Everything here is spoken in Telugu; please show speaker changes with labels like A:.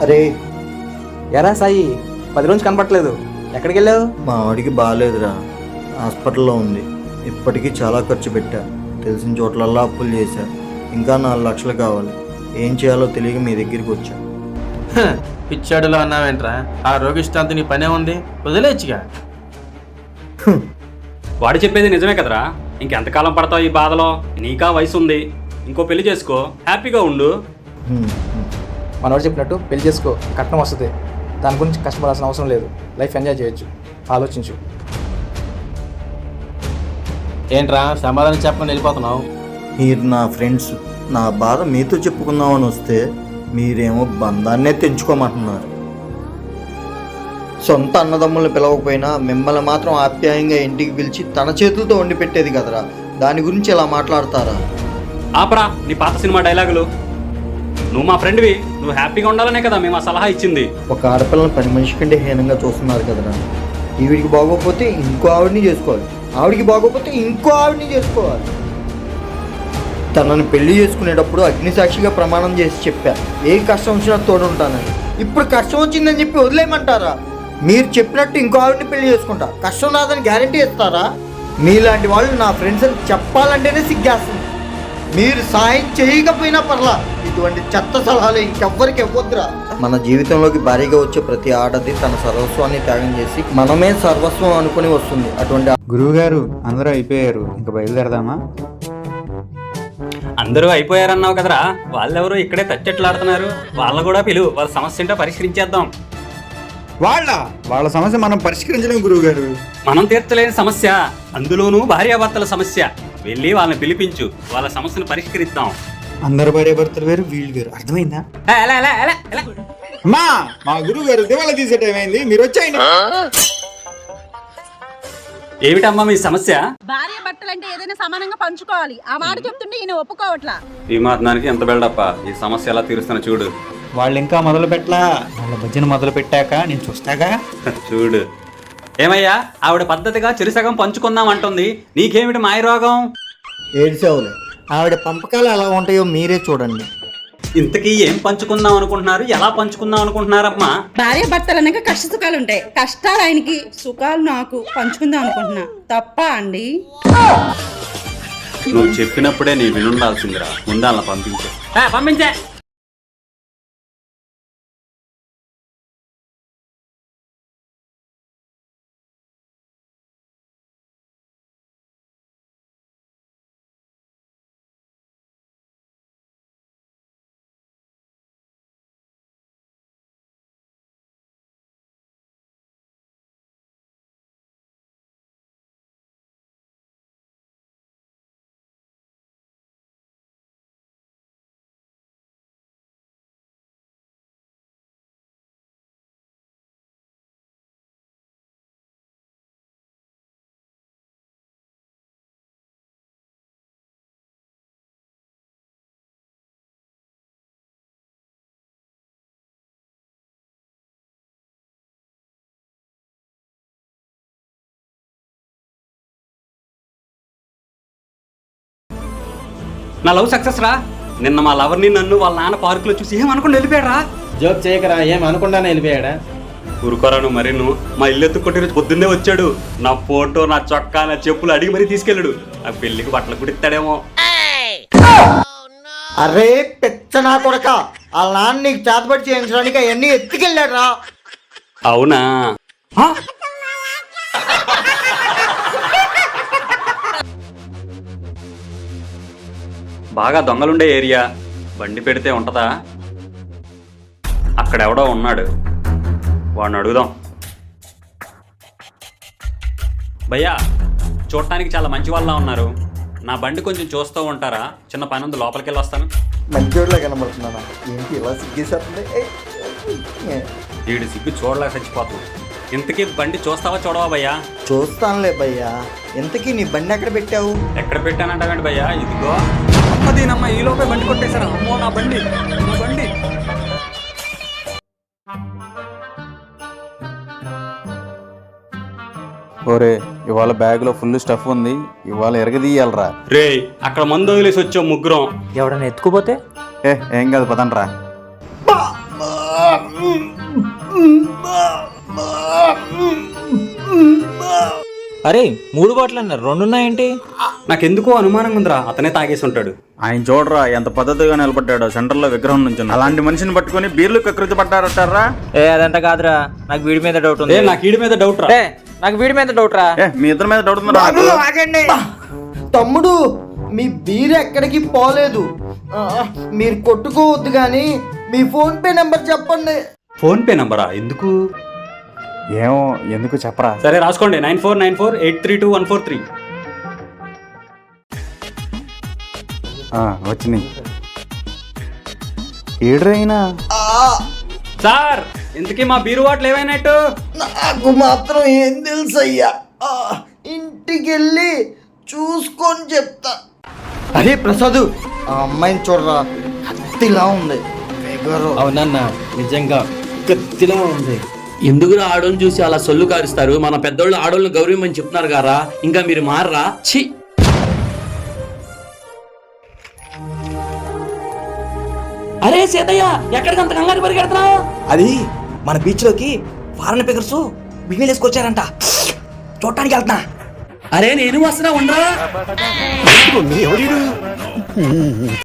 A: అరే
B: ఎరా సాయి 10 రోజులు కనపట్లేదు, ఎక్కడికి వెళ్ళావు?
A: మా వాడికి బాగాలేదురా, హాస్పిటల్లో ఉంది. ఇప్పటికీ చాలా ఖర్చు పెట్టా, తెలిసిన చోట్లల్లా అప్పులు చేశా. ఇంకా 4 లక్షలు కావాలి. ఏం చేయాలో తెలియక మీ దగ్గరికి వచ్చా.
C: పిచ్చాడులో అన్నావేంట్రా? ఆ రోగిష్టాంతి నీ పనే ఉంది, వదిలేచ్చుగా.
D: వాడు చెప్పేది నిజమే కదరా. ఇంకెంతకాలం పడతావు ఈ బాధలో? నీకా వయసు ఉంది, ఇంకో పెళ్లి చేసుకో, హ్యాపీగా ఉండు.
B: మనవాడు చెప్పినట్టు పెళ్లి చేసుకో, కట్నం వస్తుంది. దాని గురించి కష్టపడాల్సిన అవసరం లేదు. లైఫ్ ఎంజాయ్ చేయొచ్చు. ఆలోచించు.
C: ఏంట్రా సమాధానం చెప్పకుండా వెళ్ళిపోతున్నావు?
A: మీరు నా ఫ్రెండ్స్, నా బాధ మీతో చెప్పుకుందామని వస్తే మీరేమో బంధాన్నే తెంచుకోమంటున్నారు. సొంత అన్నదమ్ములను పిలవకపోయినా మిమ్మల్ని మాత్రం ఆప్యాయంగా ఇంటికి పిలిచి తన చేతులతో వండి పెట్టేది కదరా, దాని గురించి ఇలా మాట్లాడతారా?
D: ఆపరా నీ పాత సినిమా డైలాగులు. నువ్వు మా ఫ్రెండ్వి, నువ్వు హ్యాపీగా ఉండాలనే కదా మేము ఆ సలహా ఇచ్చింది.
A: ఒక ఆడపిల్లని 10 మనిషి కంటే హీనంగా చూస్తున్నారు కదరా. ఈవిడికి బాగోకపోతే ఇంకో ఆవిడని చేసుకోవాలి, ఆవిడికి బాగోకపోతే ఇంకో ఆవిడని చేసుకోవాలి. తనని పెళ్లి చేసుకునేటప్పుడు అగ్నిసాక్షిగా ప్రమాణం చేసి చెప్పా, ఏ కష్టం వచ్చినా తోడుంటానని. ఇప్పుడు కష్టం వచ్చిందని చెప్పి వదిలేయమంటారా? మీరు చెప్పినట్టు ఇంకో ఆవిడని పెళ్లి చేసుకుంటా, కష్టం రాదని గ్యారంటీ ఇస్తారా? మీలాంటి వాళ్ళు నా ఫ్రెండ్స్ అని చెప్పాలంటేనే సిగ్గేస్తుంది. మీరు సాయం చేయకపోయినా పర్లా, ఇటువంటి చెత్త సలహాలు ఇంకెవ్వరికి ఇవ్వద్దురా. మన జీవితంలోకి భారీగా వచ్చే ప్రతి ఆడది తన సర్వస్వాన్ని త్యాగం చేసి మనమే సర్వస్వం అనుకుని వస్తుంది. అటువంటి
E: గురువుగారు అందరూ అయిపోయారు, ఇంకా బయలుదేరదామా?
D: అందరూ అయిపోయారన్నావు కదరా, వాళ్ళెవరో ఇక్కడే తచ్చెట్లాడుతున్నారు. వాళ్ళ కూడా పిలువు, వాళ్ళ సమస్య ఏంటో పరిష్కరించేద్దాం.
E: వాళ్ళ సమస్య మనం పరిష్కరించలేం గురువుగారు.
D: మనం తీర్చలేని సమస్య, అందులోనూ భార్యాభర్తల సమస్య. వెళ్ళి వాళ్ళని పిలిపించు, వాళ్ళ సమస్యను పరిష్కరిద్దాం.
E: అందరు భార్య భర్తలు వేరు, వీళ్ళు వేరు, అర్థమైందా? అమ్మా, మా గురువు గారు దివాళా తీసే టైం అయింది, మీరు వచ్చాయండి.
D: ఏమిటమ్మా మీ సమస్య?
F: భార్య భర్తలంటే ఏదైనా సమానంగా పంచుకోవాలి. ఆ మాట చెప్తుంటే ఈయన ఒప్పుకోవట్లా.
D: ఈ మాత్రానికి ఎంత బిల్డప్ప? ఈ సమస్య ఎలా తీరుస్తాను చూడు.
E: వాళ్ళు ఇంకా మొదలు పెట్టలా, వాళ్ళ భజన మొదలు పెట్టాక నేను చూస్తాగా.
D: చూడు. ఏమయ్యా, ఆవిడ పద్ధతిగా చెరుసగం పంచుకుందాం అంటుంది, నీకేమిటి మాయరోగం?
A: ఏడ్చేవులే, ఆవిడ పంపకాలు ఎలా ఉంటాయో మీరే చూడండి.
D: ఇంతకీ ఏం పంచుకుందాం అనుకుంటున్నారు? ఎలా పంచుకుందాం అనుకుంటున్నారమ్మా?
F: భార్య భర్తలు అనగా కష్ట సుఖాలు ఉంటాయి. కష్టాలు ఆయనకి, సుఖాలు నాకు పంచుకుందాం అనుకుంటున్నా. తప్ప అండి?
D: నువ్వు చెప్పినప్పుడే నీ వినుండాల్సిందిరా. ముందాలను పంపించే. నా లవ్ సక్సెస్ రా. నిన్న మా లవర్ని నన్ను వాళ్ళ నాన్న పార్కులో చూసి ఏమనుకుని వెళ్ళిపోయాడా.
C: జోక్ చేయకరా, ఏం అనుకుంటానే వెళ్ళిపోయాడా?
D: ఊరుకోరా నువ్వు. మరి నువ్వు మా ఇల్లు ఎత్తుకొట్టి రోజు పొద్దున్నే వచ్చాడు. నా ఫోటో, నా చొక్కా, నా చెప్పులు అడిగి మరీ తీసుకెళ్ళాడు. ఆ పెళ్లికి బట్టలు కుడిస్తాడేమో.
A: అరే పెచ్చ నా కొడక, వాళ్ళ నాన్న నీకు చేతబడి చేయించడానికి అవన్నీ ఎత్తుకెళ్ళాడు రా.
D: అవునా? బాగా దొంగలుండే ఏరియా, బండి పెడితే ఉంటదా? అక్కడెవడో ఉన్నాడు, వాడిని అడుగుదాం. భయ్యా, చూడటానికి చాలా మంచి వాళ్ళ ఉన్నారు. నా బండి కొంచెం చూస్తూ ఉంటారా? చిన్న పని ఉంది, లోపలికి వెళ్ళి వస్తాను.
A: మంచోడ్లా కనబడుతున్నాను. ఏంటి ఇలా సిగ్గేసేస్తుంది?
D: వీడి సిగ్గు చూడలేక చచ్చిపోతుంది. ఇంతకీ బండి చూస్తావా చూడవా భయ్యా?
A: చూస్తానులే భయ్యా. ఇంతకీ నీ బండి ఎక్కడ పెట్టావు?
D: ఎక్కడ పెట్టానంటావేంటి భయ్యా? ఇదిగో. అమ్మదీనమ్మ, ఈ లోపే బండి కొట్టేశారా? అమ్మో నా బండి, నా బండి.
E: ఓరే, ఇవాళ బ్యాగ్ లో ఫుల్ స్టఫ్ ఉంది, ఇవాళ ఎరగదీయాలరా.
D: రే, అక్కడ మందు వదిలేసి వచ్చాం ముగ్గురం.
B: ఎవడన్నా ఎత్తుకుపోతే?
E: ఏం కాదు, పదండ్రా.
G: అరే 3 బాటిల్ అన్నారు 2 ఉన్నాయేంటి?
D: నాకెందుకో అనుమానంగా ఉందిరా, అతనే తాగేసి ఉంటాడు.
E: ఆయన చూడరా ఎంత పద్ధతిగా నిలబడ్డాడో, సెంటర్లో విగ్రహం నుంచి. అలాంటి మనిషిని పట్టుకొని బీర్లు కకృతి పడ్డారటారా?
G: అదంతా కాదురా, నాకు వీడి మీద డౌట్ ఉంది.
D: నాకు వీడి మీద డౌట్ రా.
G: నాకు వీడి మీద డౌట్ రా.
E: మీ ఇద్దరి మీద డౌట్ ఉందా?
A: ఆగండి తమ్ముడు, మీ బీర్ ఎక్కడికి పోలేదు. మీరు కొట్టుకోవద్దు కానీ మీ ఫోన్ పే నెంబర్ చెప్పండి.
D: ఫోన్ పే నంబరా? ఎందుకు?
E: ఏమో, ఎందుకు చెప్పరా?
D: సరే రాసుకోండి, 9494832143.
E: వచ్చినాయి. ఏడ్రైనా
D: సార్, ఇంతకీ మా బీరు వాటలు ఏమైనట్టు?
A: నాకు మాత్రం ఏం తెలుసు అయ్యా, ఇంటికి వెళ్ళి చూసుకొని చెప్తా. అరే ప్రసాద్, ఆ అమ్మాయిని చూడరా, కత్తిలా ఉంది.
H: అవునన్నా, నిజంగా కత్తిలా ఉంది. ఎందుకురా ఆడోళ్ళని చూసి అలా సొల్లు కారుస్తారు? మన పెద్దోళ్ళు ఆడోళ్ళని గౌరవమని చెప్తున్నారు గారా, ఇంకా మీరు మారరా? ఛీ! అరే సీతయ్య, ఎక్కడికి అంత కంగారు పరిగెడుతున్నావు?
B: అది మన బీచ్లోకి ఫారెన్ పిగర్స్ బిగినీలు వేసుకొచ్చారంట, చూడటానికి వెళ్తున్నా.
H: అరే నేను వస్తున్నా, ఉండరా.